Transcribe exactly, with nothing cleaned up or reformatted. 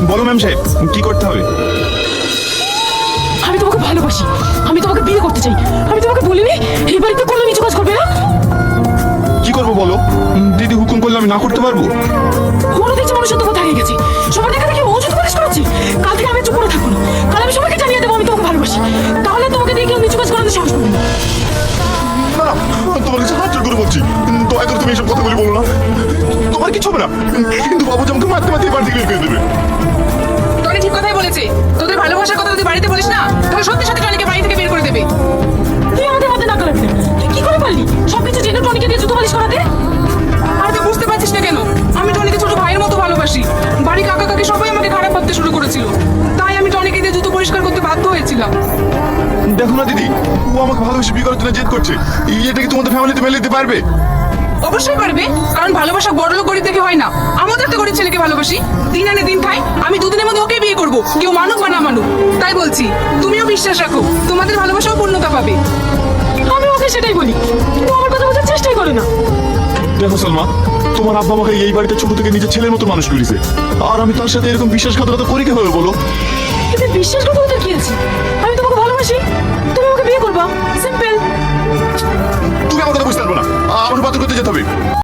বলো ম্যাম সাহেব, কি করতে হবে? আমি তোমাকে ভালোবাসি, আমি তোমাকে বিয়ে করতে চাই। আমি তোমাকে বলিনি এই বাড়িতে কোনো নিচু কাজ করবে না? কি করবো বলো? দিদি হুকুম করলে আমি না করতে পারবো? মনে দেখছি মানুষের তোমার দাঁড়িয়ে গেছে, সবার দেখা দেখি ওষুধ করিস করাচ্ছি। কাল থেকে আমি চুপ করে থাকবো না, কাল আমি সবাইকে জানিয়ে দেবো আমি তোমাকে ভালোবাসি। তাহলে তোমাকে দিয়ে কেউ নিচু কাজ করাতে সাহস করবে না। না না, তোমার কাছে হাত জোর করে বলছি, দয়া করে তুমি এইসব কথাগুলি বলো না। তোমার কিছু হবে না, কিন্তু বাবু আমাকে মারতে মারতে বাড়ি থেকে বের করে দেবে। টনি ঠিক কথাই বলেছে, তোদের ভালোবাসার কথা যদি বাড়িতে বলিস না তাহলে সত্যি সত্যি টনিকে বাড়ি থেকে বের করে দেবে। তুই আমাদের মধ্যে না করাবি না। তুই কি করে পারলি সবকিছু জেনে টনিকে দিয়ে জুতো পালিশ করাতে? আর তুই বুঝতে পারছিস না কেন? আমি টনিকে ছোট ভাইয়ের মতো ভালোবাসি। বাড়ি কাকা কাকি সবাই আমাকে খারাপ ভাবতে শুরু করেছিল, তাই আমি টনিকে দিয়ে জুতো পরিষ্কার করতে বাধ্য হয়েছিলাম। দেখো না দিদি, ও আমাকে ভালোবেসে বিয়ে করার জন্য জেদ করছে। এটা কি তোমাদের ফ্যামিলিতে মেলে দিতে পারবে? অবশ্যই পারবে, কারণ ভালোবাসা বড় লোক গরিব দেখে হয় না। আমাদের তো গরিব ছেলেকে ভালোবাসি, দিন আনে দিন খাই। আমি দুদিনের মধ্যে ওকে বিয়ে করবো, কেউ মানুক বা না মানুক। তাই বলছি, তুমিও বিশ্বাস রাখো, তোমাদের ভালোবাসাও পূর্ণতা পাবে। আমি ওকে সেটাই বলি, কিন্তু আমার কথা বোঝার চেষ্টাই করে না। দেখো সালমা, তোমার আব্বা আমাকে এই বাড়িতে ছোট থেকে নিজের ছেলের মতো মানুষ করেছে, আর আমি তার সাথে এরকম বিশ্বাসঘাতকতা করি কিভাবে বলো? এতে বিশ্বাসঘাতকতা কি আছে? আমি তোমাকে ভালোবাসি, তুমি আমাকে বিয়ে করবা, সিম্পল। তুমি আমার কথা বুঝতে পারবো না, আমাকে পাত্র করতে যেতে হবে।